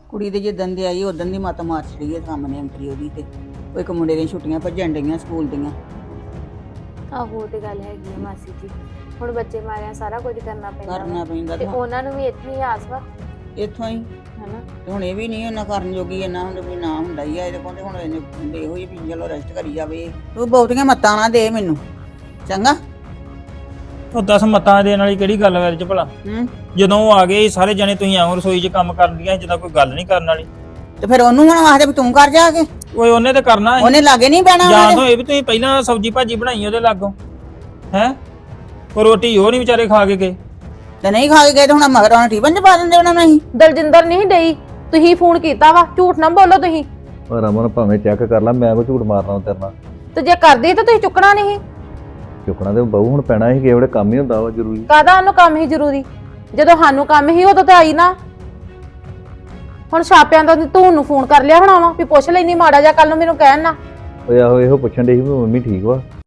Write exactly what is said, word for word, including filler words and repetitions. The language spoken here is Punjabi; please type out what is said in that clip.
ਕੁੜੀ ਦੇ ਜਿੱਦਣ ਦੀ ਆਈ ਉਦੋਂ ਦੀ ਮੱਤ ਮਾਰ ਛੜੀ ਹੈ ਸਾਹਮਣੇ ਅੰਤਰੀ ਉਹਦੀ ਤੇ ਉਹ ਇੱਕ ਮੁੰਡੇ ਦੀਆਂ ਛੁੱਟੀਆਂ ਭੱਜਣ ਡਈਆਂ ਸਕੂਲ ਦੀਆਂ। ਆਹੋ ਤੇ ਗੱਲ ਹੈਗੀ ਆ ਮਾਸੀ ਜੀ, ਹੁਣ ਬੱਚੇ ਮਾਰਿਆ ਸਾਰਾ ਕੁਝ ਕਰਨਾ ਪੈਂਦਾ ਕਰਨਾ ਵਾ। ਪੈਂਦਾ ਤੇ ਉਹਨਾਂ ਨੂੰ ਵੀ ਇੱਥੇ ਹੀ ਆਸ ਵਾ ਇੱਥੋਂ ਹੀ। ਹਨਾ। ਤੇ ਹੁਣ ਇਹ ਵੀ ਨਹੀਂ ਉਹਨਾਂ ਕਰਨ ਜੋਗੀ ਇੰਨਾ ਹੁਣ ਵੀ ਨਾ ਹੁੰਦਾ ਹੀ ਆ ਇਹਦੇ ਕੋਲ ਤੇ ਹੁਣ ਇਹਨੇ ਹੁੰਦੇ ਇਹੋ ਹੀ ਵੀ ਚਲੋ ਰੈਸਟ ਕਰੀ ਜਾਵੇ। ਤੂੰ ਬਹੁਤੀਆਂ ਮੱਤਾਂ ਨਾ ਦੇ ਮੈਨੂੰ ਚੰਗਾ। ਉਹ ਦਸ ਮਤਾਂ ਦੇਣ ਵਾਲੀ ਕਿਹੜੀ ਗੱਲ ਵਿੱਚ ਭਲਾ? ਹੂੰ ਜਦੋਂ ਉਹ ਆ ਗਏ ਸਾਰੇ ਜਣੇ ਤੁਸੀਂ ਆਉਂ ਰਸੋਈ 'ਚ ਕੰਮ ਕਰਨ ਦੀਆਂ ਜਿੱਦਾਂ ਕੋਈ ਗੱਲ ਨਹੀਂ ਕਰਨ ਵਾਲੀ। ਤੇ ਫਿਰ ਉਹਨੂੰ ਹੁਣ ਆਖਦੇ ਵੀ ਤੂੰ ਕਰ ਜਾ ਕੇ। ਓਏ ਉਹਨੇ ਤੇ ਕਰਨਾ ਸੀ। ਉਹਨੇ ਲਾਗੇ ਨਹੀਂ ਬਹਿਣਾ ਜਾਂ ਤਾਂ ਇਹ ਵੀ ਤੁਸੀਂ ਪਹਿਲਾਂ ਸਬਜ਼ੀ ਭਾਜੀ ਬਣਾਈ ਉਹਦੇ ਲਾਗੋਂ ਹੈ ਕੋਈ ਰੋਟੀ ਉਹ ਨਹੀਂ ਵਿਚਾਰੇ ਖਾ ਕੇ ਗਏ। ਤੇ ਨਹੀਂ ਖਾ ਕੇ ਗਏ ਤੇ ਹੁਣ ਮਗਰ ਉਹਨਾਂ ਟੀਫਨ ਚ ਪਾ ਦਿੰਦੇ ਉਹਨਾਂ ਨੂੰ ਅਸੀਂ। ਦਲਜਿੰਦਰ ਨਹੀਂ ਡਈ, ਤੁਸੀਂ ਫੋਨ ਕੀਤਾ ਵਾ, ਝੂਠ ਨਾ ਬੋਲੋ ਤੁਸੀਂ। ਪਰ ਰਮਨ ਭਾਵੇਂ ਚੈੱਕ ਕਰ ਲਾ, ਮੈਂ ਕੋ ਝੂਠ ਮਾਰਨਾ ਤੇਰੇ ਨਾਲ। ਤੇ ਜੇ ਕਰਦੀ ਤਾਂ ਤੁਸੀਂ ਚੁੱਕਣਾ ਨਹੀਂ। ਚੁੱਕਣਾ ਤੇ ਬਹੂ ਹੁਣ ਪੈਣਾ ਸੀ, ਕਿਹੜੇ ਕੰਮ ਹੀ ਹੁੰਦਾ ਵਾ ਜ਼ਰੂਰੀ। ਕਾਹਦਾ ਉਹਨੂੰ ਕੰਮ ਹੀ ਜ਼ਰੂਰੀ, ਜਦੋਂ ਸਾਨੂੰ ਕੰਮ ਹੀ ਉਦੋਂ ਤੇ ਆਈ ਨਾ। ਹੁਣ ਛਾਪਿਆਂ ਦਾ ਤੂੰ ਨੂੰ ਫੋਨ ਕਰ ਲਿਆ ਹੋਣਾ ਵਾ ਵੀ ਪੁੱਛ ਲੈਣੀ ਮਾੜਾ ਜਿਹਾ ਕੱਲ ਨੂੰ ਮੈਨੂੰ ਕਹਿਣ ਨਾ। ਓਏ ਆਹੋ ਇਹੋ ਪੁੱਛਣ ਡਈ ਸੀ ਵੀ ਮੰਮੀ ਠੀਕ ਵਾ।